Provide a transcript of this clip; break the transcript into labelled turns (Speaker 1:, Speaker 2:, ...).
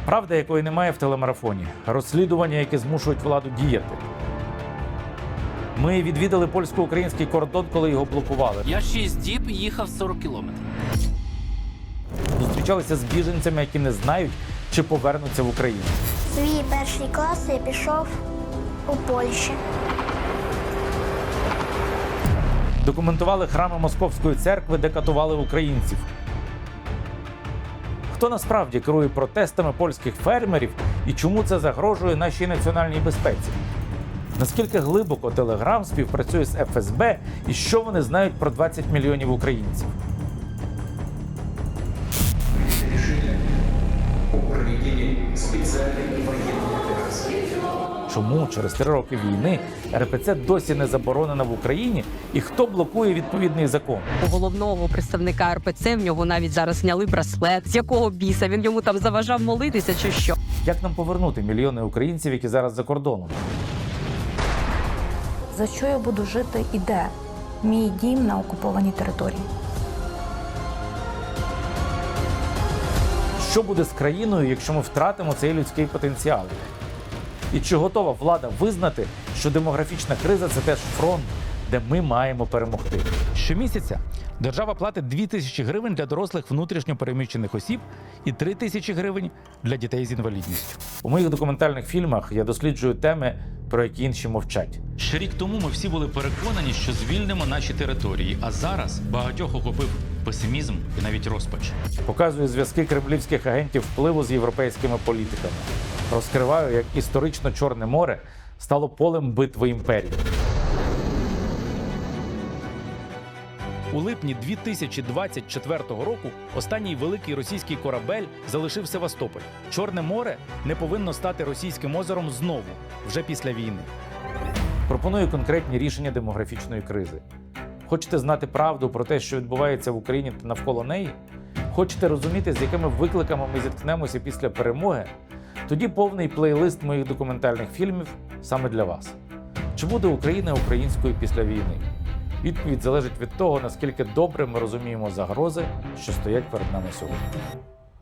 Speaker 1: Правда, якої немає в телемарафоні. Розслідування, які змушують владу діяти. Ми відвідали польсько-український кордон, коли його блокували.
Speaker 2: Я 6 діб їхав 40 кілометрів.
Speaker 1: Зустрічалися з біженцями, які не знають, чи повернуться в Україну.
Speaker 3: Свій перший клас я пішов у Польщі.
Speaker 1: Документували храми Московської церкви, де катували українців. Хто насправді керує протестами польських фермерів і чому це загрожує нашій національній безпеці? Наскільки глибоко Телеграм співпрацює з ФСБ і що вони знають про 20 мільйонів українців? Чому через 3 роки війни РПЦ досі не заборонена в Україні і хто блокує відповідний закон?
Speaker 4: У головного представника РПЦ в нього навіть зараз зняли браслет. З якого біса? Він йому там заважав молитися чи що?
Speaker 1: Як нам повернути мільйони українців, які зараз за кордоном?
Speaker 5: За що я буду жити і де? Мій дім на окупованій території.
Speaker 1: Що буде з країною, якщо ми втратимо цей людський потенціал? І чи готова влада визнати, що демографічна криза – це теж фронт, де ми маємо перемогти? Щомісяця держава платить 2000 гривень для дорослих внутрішньо переміщених осіб і 3000 гривень для дітей з інвалідністю. У моїх документальних фільмах я досліджую теми, про які інші мовчать.
Speaker 6: Ще рік тому ми всі були переконані, що звільнимо наші території, а зараз багатьох охопив песимізм і навіть розпач.
Speaker 1: Показую зв'язки кремлівських агентів впливу з європейськими політиками. Розкриваю, як історично Чорне море стало полем битви імперій. У липні 2024 року останній великий російський корабель залишив Севастополь. Чорне море не повинно стати російським озером знову, вже після війни. Пропоную конкретні рішення демографічної кризи. Хочете знати правду про те, що відбувається в Україні та навколо неї? Хочете розуміти, з якими викликами ми зіткнемося після перемоги? Тоді повний плейлист моїх документальних фільмів саме для вас. Чи буде Україна українською після війни? Відповідь залежить від того, наскільки добре ми розуміємо загрози, що стоять перед нами сьогодні.